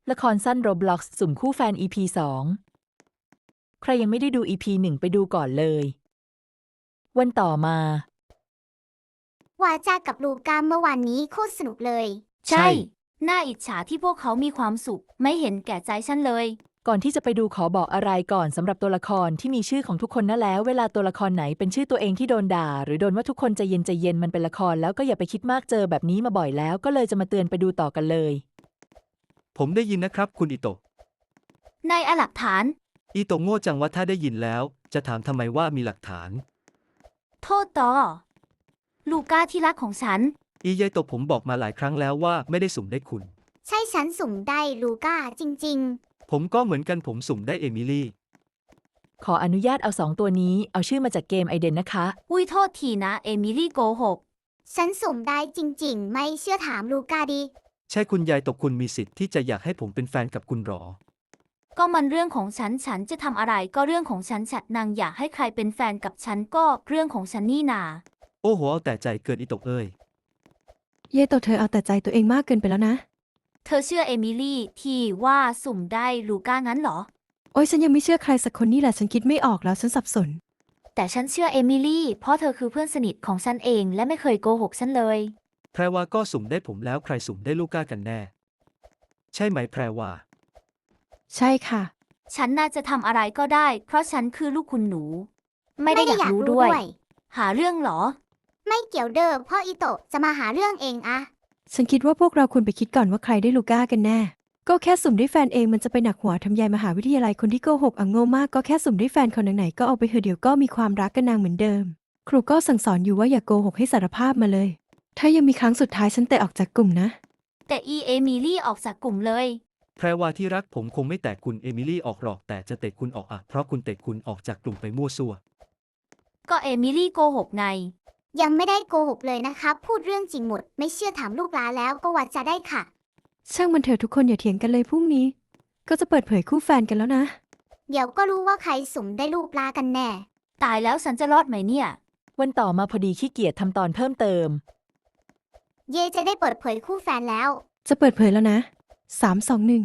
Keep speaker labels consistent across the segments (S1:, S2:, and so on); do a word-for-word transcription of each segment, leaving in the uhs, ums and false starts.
S1: ละครสั้น Roblox สุ่มคู่แฟน อี พี สอง ใครยังไม่ได้ดู อี พี หนึ่ง ไปดูก่อนเลย วันต่อมา
S2: วาจากับลูก้าเมื่อวานนี้โคตรสนุกเลย
S3: ใช่ น่าอิจฉาที่พวกเขามีความสุข ไม่เห็นแก่ใจฉันเลย
S1: ก่อนที่จะไปดูขอบอกอะไรก่อนสำหรับตัวละครที่มีชื่อของทุกคนนะแล้วเวลาตัวละครไหนเป็นชื่อตัวเองที่โดนด่าหรือโดนว่าทุกคนใจเย็นใจเย็นมันเป็นละครแล้วก็อย่าไปคิดมากเจอแบบนี้มาบ่อยแล้วก็เลยจะมาเตือนไปดูต่อกันเลย
S4: ผมได้ยินนะครับคุณอิโตะ
S3: นายเอาหลักฐาน
S4: อิโตะโง่จังว่าถ้าได้ยินแล้ว จะถามทำไมว่ามีหลักฐาน
S3: โทษต่อ ลูก้าที่รักของฉัน
S4: อียายโตะผมบอกมาหลายครั้งแล้วว่าไม่ได้สุ่มได้คุณ
S2: ใช่ฉันสุ่มได้ลูก้าจริง
S4: ผมก็เหมือนกันผมสุ่มได้เอมิลี่
S1: ขออนุญาตเอาสองตัวนี้เอาชื่อมาจากเกมไอเดนนะคะ
S3: อุ้ยโทษทีนะ เอมิลี่โกหก
S2: ๆ ฉันสุ่มได้จริงๆ ไม่เชื่อถามลูก้าดิ
S4: ใช่คุณยายโตะคุณมีสิทธิ์ที่จะอยากให้ผมเป็นแฟนกับคุณหรอ
S3: ก็มันเรื่องของฉัน ฉันจะทำอะไรก็เรื่องของฉันฉันนางอยากให้ใครเป็นแฟนกับฉันก็เรื่องของฉันนี่นา
S4: โอ้โหเอาแต่ใจเกินอิโตะเอ้ย
S5: เย่โตเธอเอาแต่ใจตัวเองมากเกินไปแล้วนะ
S3: เธอเชื่อเอมิลี่ที่ว่าสุ่มได้ลูก้างั้นเหรอ
S5: โอ้ยฉันยังไม่เชื่อใครสักคนนี่แหละฉันคิดไม่ออกแล้วฉันสับสน
S3: แต่ฉันเชื่อเอมิลี่เพราะเธอคือเพื่อนสนิทของฉันเองและไม่เคยโกหกฉันเลย
S4: แพรวาก็สุ่มได้ผมแล้วใครสุ่มได้ลูก้ากันแน่ ใช่ไหมแพรวา
S5: ใช่ค่ะ
S3: ฉันน่าจะทำอะไรก็ได้ เพราะฉันคือลูกคุณหนู ไม่ได้อยากรู้ด้วย หาเรื่องเหรอ
S2: ไม่เกี่ยวเด้อเพราะอิโตะจะมาหาเรื่องเองอะ
S5: ฉันคิดว่าพวกเราควรไปคิดก่อนว่าใครได้ลูก้ากันแน่ ก็แค่สุ่มได้แฟนเองมันจะไปหนักหัวทำยายมหาวิทยาลัยคนที่โกหกอ่ะโง่มากก็แค่สุ่มได้แฟนคนไหนๆก็เอาไปเถอะเดี๋ยวก็มีความรักกันนางเหมือนเดิม ครูก็สั่งสอนอยู่ว่าอย่าโกหกให้สารภาพมาเลย ถ้ายังมีครั้งสุดท้ายฉันเตะออกจากกลุ่มนะ
S3: แต่อีเอมิลี่ออกจากกลุ่มเลย
S4: แพรวาที่รักผมคงไม่แตะคุณเอมิลี่ออกหรอกแต่จะเตะคุณออกอะเพราะคุณเตะคุณออกจากกลุ่มไปมั่วซั่ว
S3: ก็เอมิลี่โกหกไง
S2: ยังไม่ได้โกหกเลยนะครับ พูดเรื่องจริงหมด ไม่เชื่อถามลูกหลานแล้วก็วาจาได้ค่ะ
S5: ช่างมันเถอะทุกคนอย่าเถียงกันเลยพรุ่งนี้ ก็จะเปิดเผยคู่แฟนกันแล้วนะ
S2: เดี๋ยวก็รู้ว่าใครสุ่มได้ลูกลากันแน่
S3: ตายแล้วฉันจะรอดไหมเนี่ย
S1: วันต่อมาพอดีขี้เกียจทำตอนเพิ่มเติม
S2: เย่จะได้เปิดเผยคู่แฟนแล้ว
S5: จะเปิดเผยแล้วนะสามสองหนึ่ง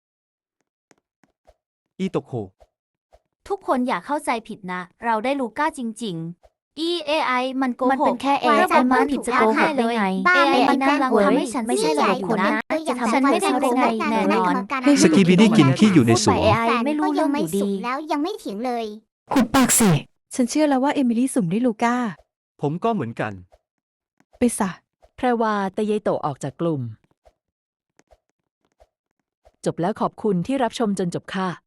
S4: อีโตะโค
S3: ทุกคนอย่าเข้าใจผิดนะ เราได้ลูก้าจริงๆ อี เอ ไอ มันโกหก
S2: มันเป็นแค่
S3: เอ
S2: เอ
S3: ไอ มันผิดจะโกหกได้ไง
S2: บ้า
S3: เอ
S2: ไม่
S3: ไอ
S2: ได้
S3: มันกำลังทำให้ฉัน
S2: ไม่ใช่
S3: ระบบคุณนะ
S2: จะทำ
S3: ฉันไม่ได้โกหกแน่นอน
S4: สกีบิดี้กินขี้อยู่ในสวน
S3: เอไอไม่รู้เรื่องอยู่ดี
S2: แล้วยังไม่เถียงเลย
S5: ขุดปากเสกฉันเชื่อแล้วว่าเอมิลี่สุ่มได้ลูก้า
S4: ผมก็เหมือนกัน
S5: ไปซะ
S1: แพรวาแต่ยายโตะออกจากกลุ่ม จบแล้วขอบคุณที่รับชมจนจบค่ะ